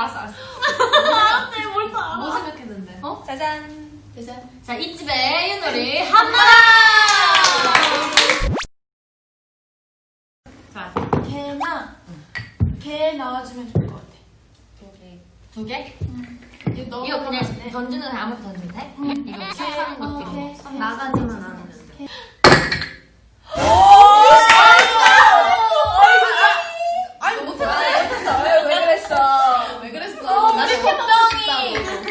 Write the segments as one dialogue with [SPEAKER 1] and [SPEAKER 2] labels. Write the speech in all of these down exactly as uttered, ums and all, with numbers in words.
[SPEAKER 1] 알았어 알았어.
[SPEAKER 2] 네, 뭘 다.
[SPEAKER 3] 뭐 생각했는데?
[SPEAKER 1] 어? 짜잔.
[SPEAKER 3] 짜잔. 자, 이 집의 윷놀이 한마당! 자,
[SPEAKER 1] 개나 개 나와주면 좋을 것 같아.
[SPEAKER 3] 두 개?
[SPEAKER 1] 응.
[SPEAKER 3] 이거 그냥 던지는 거 아무것도 던지면 돼? 이거 시작하는
[SPEAKER 1] 어,
[SPEAKER 3] 것도
[SPEAKER 1] 개.
[SPEAKER 3] 있고. 나가지만 않으면 돼.
[SPEAKER 1] 아니 못했다. 왜, 왜 그랬어? 왜 그랬어?
[SPEAKER 3] 나는
[SPEAKER 1] 우리
[SPEAKER 3] 걱정이.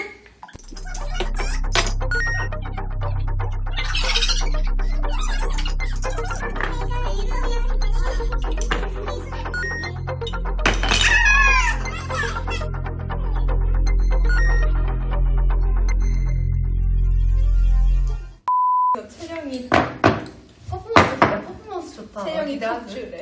[SPEAKER 1] 채령이
[SPEAKER 3] 퍼포먼스 좋다. 퍼포먼스 좋다.
[SPEAKER 1] 채령이 낙주래.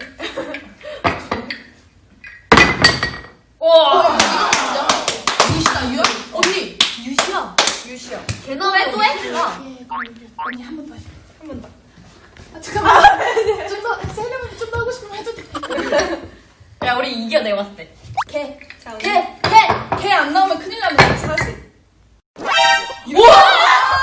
[SPEAKER 3] 와!
[SPEAKER 1] 유시다 유야?
[SPEAKER 3] 언니! 유시야!
[SPEAKER 1] 유시야.
[SPEAKER 3] 걔는 왜 또 해?
[SPEAKER 1] 언니 한 번 더. 한 번 더. 아 잠깐만. 좀더 채령이 좀 더 하고 싶으면 해도 돼.
[SPEAKER 3] 야, 우리 이겨, 내가 봤을 때.
[SPEAKER 1] 개. 자,
[SPEAKER 3] 개! 개!
[SPEAKER 1] 개 안 나오면 큰일 납니다. 사실.
[SPEAKER 3] 우와!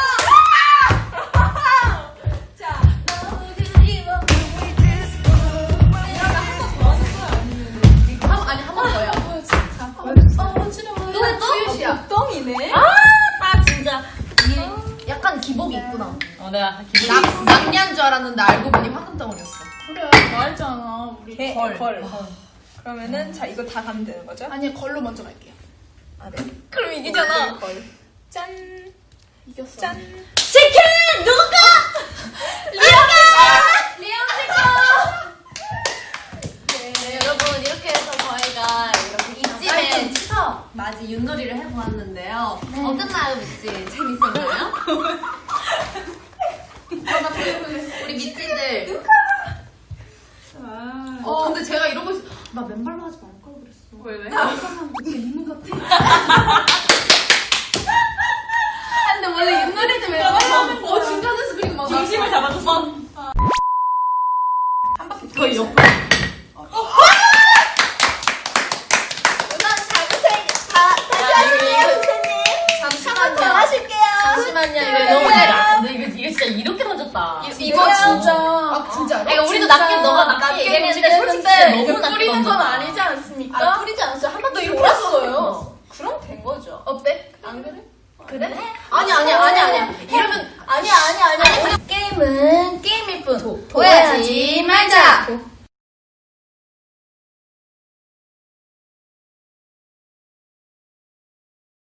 [SPEAKER 1] 또 했어? 유시야. 똥이네.
[SPEAKER 3] 아, 나 진짜. 이 약간 기복이 있구나. 어, 내가 기복이 있어.
[SPEAKER 2] 낙리한 줄 알았는데 알고 보니 황금덩어리였어.
[SPEAKER 1] 그래 말했잖아. 우리
[SPEAKER 2] 개,
[SPEAKER 1] 걸.
[SPEAKER 2] 걸.
[SPEAKER 1] 그러면은 자 이거 다 가면 되는 거죠?
[SPEAKER 2] 아니 걸로 먼저 갈게요.
[SPEAKER 1] 아 네.
[SPEAKER 2] 그럼 이기잖아.
[SPEAKER 1] 걸. 짠.
[SPEAKER 2] 이겼어.
[SPEAKER 1] 짠.
[SPEAKER 3] 치킨! 누가? 리언가! 리언 치킨! 네, 여러분, 이렇게 해서 저희가 이렇게 이집의 추석 맞이 윷놀이를 해보았는데요. 어땠나요, 미찌? 재밌었나요? 우리 미찌들.
[SPEAKER 1] 아.
[SPEAKER 2] 어 근데 제가 이러고 있어. 나 맨발로 하지 말 걸 그랬어.
[SPEAKER 1] 왜 왜?
[SPEAKER 2] 근데 원래 윷놀이 때 맨발로 어 중간에서 그리고 막
[SPEAKER 3] 중심을 잡아줬어.
[SPEAKER 1] 한 바퀴
[SPEAKER 3] 거의 옆.
[SPEAKER 1] 우선 자구생 다 다시 하실게요 선생님.
[SPEAKER 3] 잠시만요.
[SPEAKER 1] 하실게요.
[SPEAKER 3] 잠시만요. 이거 너무 내가. 근데 이거, 이거 진짜 이렇게 던졌다.
[SPEAKER 2] 이거 진짜.
[SPEAKER 1] 아 진짜로?
[SPEAKER 3] 그러니까 우리도 낮게 너가 낮게 얘기했는데 솔직히 진짜 너무 낮게
[SPEAKER 2] 뿌리는 건
[SPEAKER 3] 던졌다.
[SPEAKER 2] 아니지 않습니까?
[SPEAKER 1] 아 뿌리지 않았어요. 한 바퀴
[SPEAKER 2] 이렇게
[SPEAKER 1] 돌았어요. 그럼 된 거죠.
[SPEAKER 2] 어때? 안 그래?
[SPEAKER 1] 그래?
[SPEAKER 2] 아니 아니 아니 아니야. 이러면
[SPEAKER 1] 아니야 아니야 아니야.
[SPEAKER 2] 게임은 게임일 뿐
[SPEAKER 1] 도야지